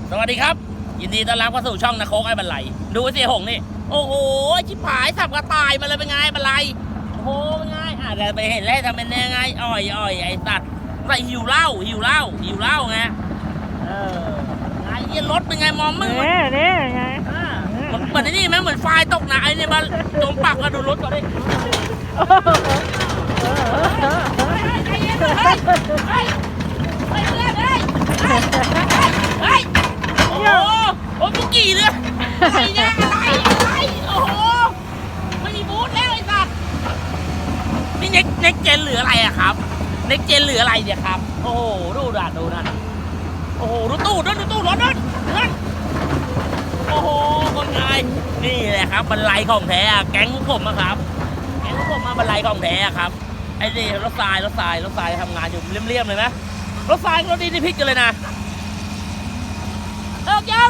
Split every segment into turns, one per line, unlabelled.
สวัสดีครับยินดีต้อนรับเข้าสู่ช่องนะโคกไอ้บันไลดูเสียหงนี่โอ้โหชิบหายสับกระต่ายมาเลยเป็นไงบันไลโอ้โหเป็นไงเดี๋ยวไปเห็นแล้วทำเป็นยังไงอ่อยไอ้สัตว์ใส่หิวเหล้าไงไงเยี่ยรถเป็นไงมองมึง
นี่ไง
เหมือนนี่ไหมเหมือนไฟตกหนาไอ้เนี่ยมาโดนปักมาดูรถก่อนดิโอ้โหกี่เลยอะไรเนี่ยอะไรโอ้โหไม่มีบูธแล้วไอ้สัตว์นี่เน็กเจนหรืออะไรอะครับเน็กเจนหรืออะไรเนี่ยครับโอ้โหดูนั่นโอ้โหดูตู้รถนั่นโอ้โหคนไงนี่แหละครับบันไลของแท้แก๊งผมครับแก๊งผมมาบันไลของแท้ครับไอ้นี่รถทรายทำงานอยู่เรียมๆเลยไหมรถทรายรถดีที่พิกกันเลยนะเลิกยัง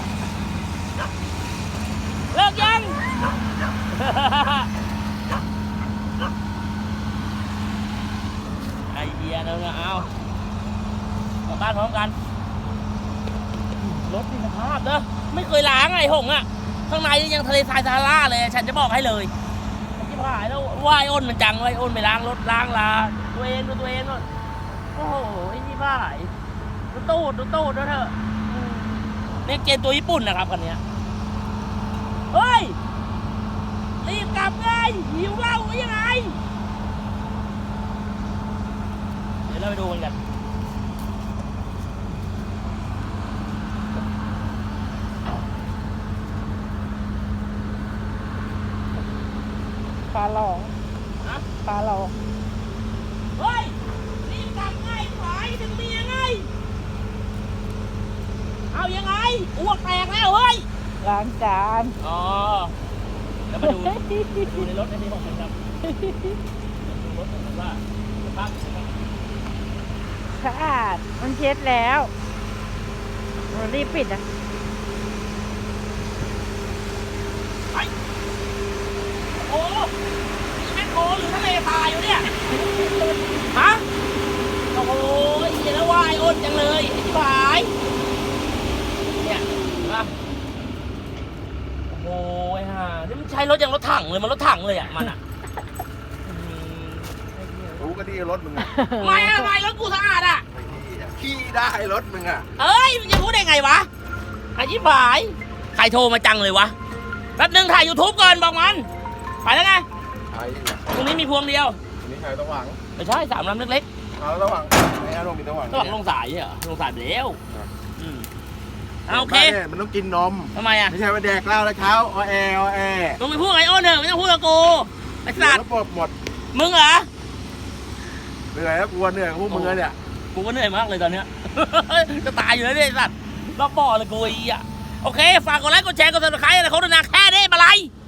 ไอเดียนึงเอากลับบ้านพร้อมกันรถมีสภาพเด้อไม่เคยล้างไอ้หงอ่ะข้างในยังทะเลทรายซาฮาราเลยฉันจะบอกให้เลยที่ผ่านแล้วว่ายอ้นมันจังว่ายอ้นไปล้างรถล้างลาตัวเองนู่นโอ้โหไอ้นี่บ้าดูตู้ด้วยเถอะเนี่ยเกณฑ์ตัวญี่ปุ่นนะครับคันนี้เฮ้ยรีบกลับเลยหิวเหล้ายังไงเดี๋ยวเราไปดูกัน
ปลาหลอง
เฮ้ยรีบกลับไงขายถึงมียังไงเอายังไงอ้วกแตกแล้วเฮ้ย
ล้างจาน
อ๋อแล้วมาดูในรถในที่ผมครับดูรถผมว่าสภาพ
สะอาดมันเช็ดแล้วเรารีบปิดอ่ะ
ไปโอ้แม่โคหรือทะเลทรายอยู่เนี่ยฮะโอ้โหเหี้ยแล้วว่ายอ้นจังเลยไอ้ที่หายเนี่ยนะโอ้ยฮะนี่มันใช้รถอย่างรถถังเลยมันรถถังเลยอ่ะมันอ่ะ
รู้ก็ดีรถมึงอ่ะ
ไม่รถกูสะอาดอ่ะ
ขี้ได้รถมึงอ่ะ
เอ้ยมันจะพูดได้ไงวะไอ้ที่หายใครโทรมาจังเลยวะแป๊บนึงถ่าย YouTube ก่อนบอกมันไปแล้วไงตรงนี้มีพวงเดียว
นี่ใครต้องหวัง
ไม่ใช่3 ลำเล็ก
เอาระหว่างไอ้อารมณ์มีระหว่าง
ลงสายเหรอลงสายไปแล้วโอเค
มันต้องกินนม
ทำไมอ่ะ
ไม่ใช่ว่าแดกเหล้าแล้วเช้าอแอ
ต้องไปพูดไอ้อ้นเถอะไม่ต้องพูดกับกูไอ้สัตว์
หมด
มึงเหรอ
เหนื่อยแล้วกูเหนื่อยกับพวกมึงเนี่ย
กูก็เหนื่อยมากเลยตอนเนี้ยจะตายอยู่แล้วเนี่ยไอ้สัตว์รอบบ่อเลยกูอีอ่ะโอเคฝากกดไลค์กดแชร์กดซับสไครต์อะไรเขาด้วยนะแค่นี้มาไล